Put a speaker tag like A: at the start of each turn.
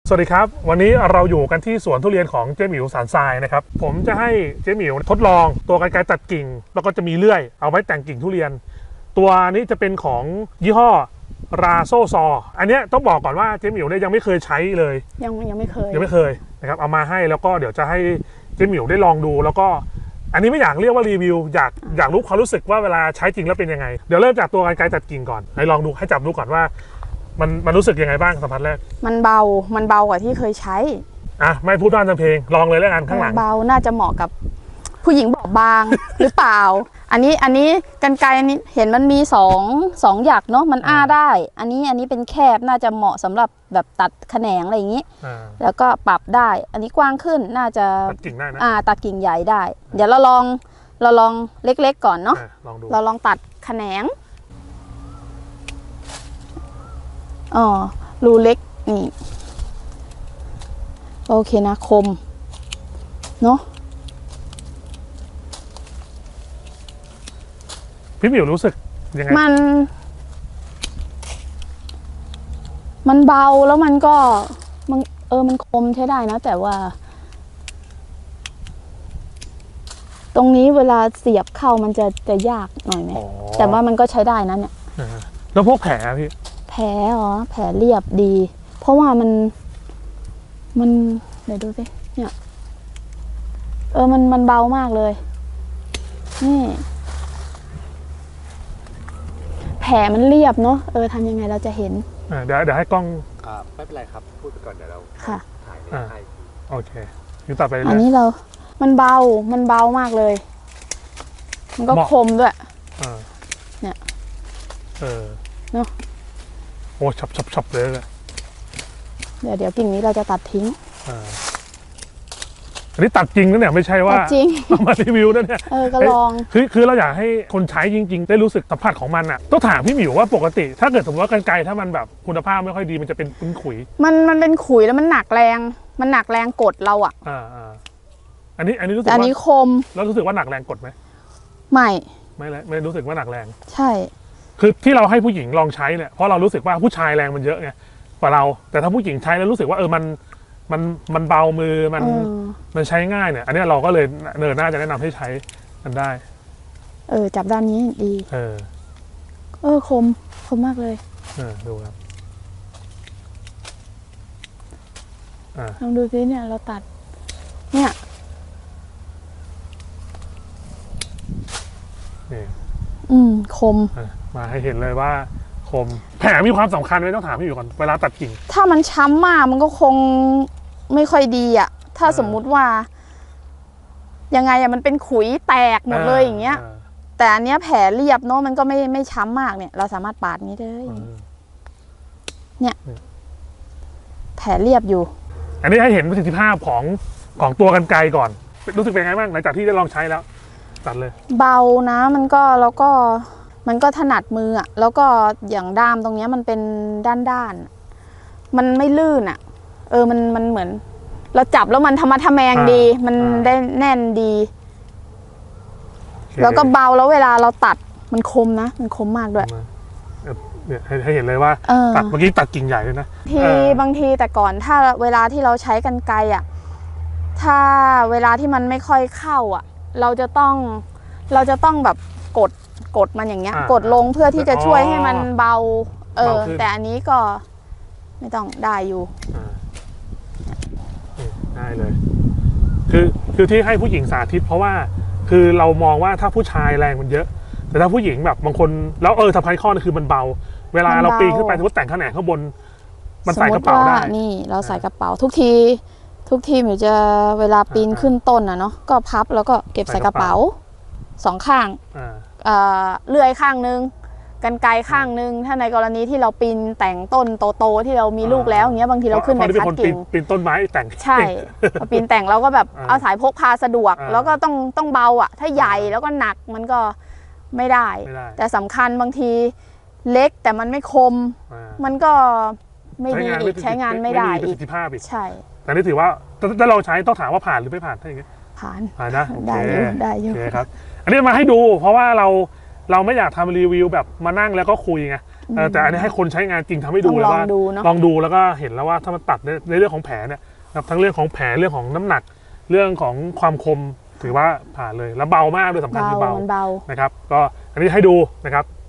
A: สวัสดีครับวันนี้เราอยู่กันที่สวนทุเรียนของเจ๊หมิวสารทรายนะครับผมจะให้เจ๊หมิวทดลองตัวกรรไกรตัดกิ่งแล้วก็จะมีเลื่อยเอาไว้แต่งกิ่งทุเรียนตัวนี้จะเป็นของยี่ห้อราโซซออันนี้ต้องบอกก่อนว่าเจ๊หมิวเนี่ยยังไม่เคยใช้เลย
B: ยังไม่เคย
A: นะครับเอามาให้แล้วก็เดี๋ยวจะให้เจ๊หมิวได้ลองดูแล้วก็อันนี้ไม่อยากเรียกว่ารีวิวอยากรู้ความรู้สึกว่าเวลาใช้จริงแล้วเป็นยังไงเดี๋ยวเริ่มจากตัวกรรไกรตัดกิ่งก่อนให้ลองดูให้จับดูก่อนว่ามันรู้สึกยังไงบ้างสัมผัสแรก
B: มันเบากว่าที่เคยใช้
A: ไม่พูดด้านเพลงลองเลยแล้วกันข้างหลัง
B: เบาน่าจะเหมาะกับผู้หญิงบอบบาง หรือเปล่าอันนี้กรรไกรอันนี้เห็นมันมีสองหยักเนาะมันได้อันนี้เป็นแคบน่าจะเหมาะสำหรับแบบตัดแขนงอะไรอย่างนี้แล้วก็ปรับได้อันนี้กว้างขึ้นน่าจะ
A: ตัดกิ่งได้นะ
B: ตัดกิ่งใหญ่ได้เดี๋ยวเราลองเล็กๆก่อนเนาะเราลองตัดแขนงรูเล็กนี่โอเคนะคมเนาะ
A: พี่หมิวรู้สึกยังไง
B: มันเบาแล้วมันก็มันคมใช้ได้นะแต่ว่าตรงนี้เวลาเสียบเข้ามันจะยากหน่อยไหมแต่ว่ามันก็ใช้ได้นะเนี่ย
A: แล้วพวกแผลพี่
B: แผลแผลเรียบดีเพราะว่ามันเดี๋ยวดูสิเนี่ยมันเบามากเลยนี่แผลมันเรียบเนาะทำยังไงเราจะเห็น
A: เดี๋ยวให้กล้อง
C: ไม่เป็นไรครับพูดไปก่อนเดี๋ยวเราถ่ายให้
A: โอเคอยู่ต่อไปเลย
B: อันนี้มันเบามากเลยมันก็คมด้วยเนี่ยเนาะ
A: โอ้ฉับเลย
B: เดี๋ยวกิ่งนี้เราจะตัดทิ้ง
A: อันนี้ตัดจริงนะเนี่ยไม่ใช่ว่า
B: จริง
A: มารีวิวนะเนี่ย
B: ก็ลอง
A: คือเราอยากให้คนใช้จริงๆได้รู้สึกสัมผัสของมันอ่ะต้องถามพี่หมิวว่าปกติถ้าเกิดสมมติว่ากรรไกรถ้ามันแบบคุณภาพไม่ค่อยดีมันจะเป็นขุย
B: มันเป็นขุยแล้วมันหนักแรงกดเราอ่ะ
A: อันนี้รู้สึกว่า
B: อันนี้คม
A: แล้วรู้สึกว่าหนักแรงกดไหมไม่รู้สึกว่าหนักแรง
B: ใช่
A: คือที่เราให้ผู้หญิงลองใช้เนี่ยเพราะเรารู้สึกว่าผู้ชายแรงมันเยอะไงกว่าเราแต่ถ้าผู้หญิงใช้แล้วรู้สึกว่ามันเบามือมันใช้ง่ายเนี่ยอันนี้เราก็เลยน่าจะแนะนำให้ใช้กันได้
B: จับด้านนี้ดีคมมากเลย
A: ดูครับ
B: ลองดูซิเนี่ยเราตัดเนี่ยคม
A: มาให้เห็นเลยว่าคมแผลมีความสำคัญไหมต้องถามพี่อยู่ก่อนเวลาตัดกิ่ง
B: ถ้ามันช้ำมากมันก็คงไม่ค่อยดีอ่ะถ้าสมมุติว่ายังไงมันเป็นขุยแตกหมดเลยอย่างเงี้ยแต่อันเนี้ยแผลเรียบเนาะมันก็ไม่ช้ำมากเนี่ยเราสามารถปาดนี้ได้เนี่ยแผลเรียบอยู่
A: อันนี้ให้เห็นประสิทธิภาพของตัวกรรไกรก่อนรู้สึกเป็นไงบ้างหลังจากที่ได้ลองใช้แล้วตัดเลย
B: เบานะมันก็ถนัดมืออ่ะแล้วก็อย่างด้ามตรงนี้มันเป็นด้านมันไม่ลื่นอ่ะมันเหมือนเราจับแล้วมันธรรมะทะแมงดีมันได้แน่นดีแล้วก็เบาแล้วเวลาเราตัดมันคมนะมันคมมากด้วย
A: เนี่ยให้เห็นเลยว่าตัดเมื่อกี้ตัดกิ่งใหญ่เลยนะ
B: บางทีแต่ก่อนถ้าเวลาที่เราใช้กรรไกรอ่ะถ้าเวลาที่มันไม่ค่อยเข้าอ่ะเราจะต้องแบบกดมันอย่างเงี้ยกดลงเพื่อที่จะช่วยให้มันเบาแต่อันนี้ก็ไม่ต้องได้อยู่
A: ได้เลยคือที่ให้ผู้หญิงสาธิตเพราะว่าคือเรามองว่าถ้าผู้ชายแรงมันเยอะแต่ถ้าผู้หญิงแบบบางคนแล้วสำคัญข้อนึงคือมันเบาเวลาเราปีนขึ้นไปสมมติแต่งแขนงข้างบนมันใส่กระเป๋าได้
B: นี่เราใส่กระเป๋าทุกทีหนูจะเวลาปีนขึ้นต้นเนาะก็พับแล้วก็เก็บใส่กระเป๋า2ข้างเลื่อยข้างนึงกรรไกรข้างนึงถ้าในกรณีที่เราปีนแต่งต้นโตๆที่เรามีลูกแล้วอย่างเงี้ยบางทีเราขึ้นไปคัดกิ่ง
A: ปีนต้นไม้แต่ง
B: ใช่ปีนแต่งเราก็แบบเอาสายพกพาสะดวกแล้วก็ต้องเบาอ่ะถ้าใหญ่แล้วก็หนักมันก็ไม่ได้แต่สำคัญบางทีเล็กแต่มันไม่คมมันก็ไม่ดีอีกใช้งานไม่ได้
A: ประสิทธิภาพอีก
B: ใช่
A: แต่นี่ถือว่าถ้าเราใช้ต้องถามว่าผ่านหรือไม่ผ่านถ้าอย่างเงี้ย
B: ผ่าน
A: นะ
B: ได้อยู่
A: โอเคครับอันนี้มาให้ดูเพราะว่าเราไม่อยากทำรีวิวแบบมานั่งแล้วก็คุยไงแต่อันนี้ให้คนใช้งานจริงทำให้ดู
B: ต้อง
A: เลยว่า
B: ลองดูเนอะ
A: ลองดูแล้วก็เห็นแล้วว่าถ้ามันตัดในเรื่องของแผลเนี่ยนะครับทั้งเรื่องของแผลเรื่องของน้ำหนัก เรื่องของความคมถือว่าผ่านเลยแล้วเบามากด้วยสำคัญคือเบา
B: มันเบา
A: นะครับก็อันนี้ให้ดูนะครับ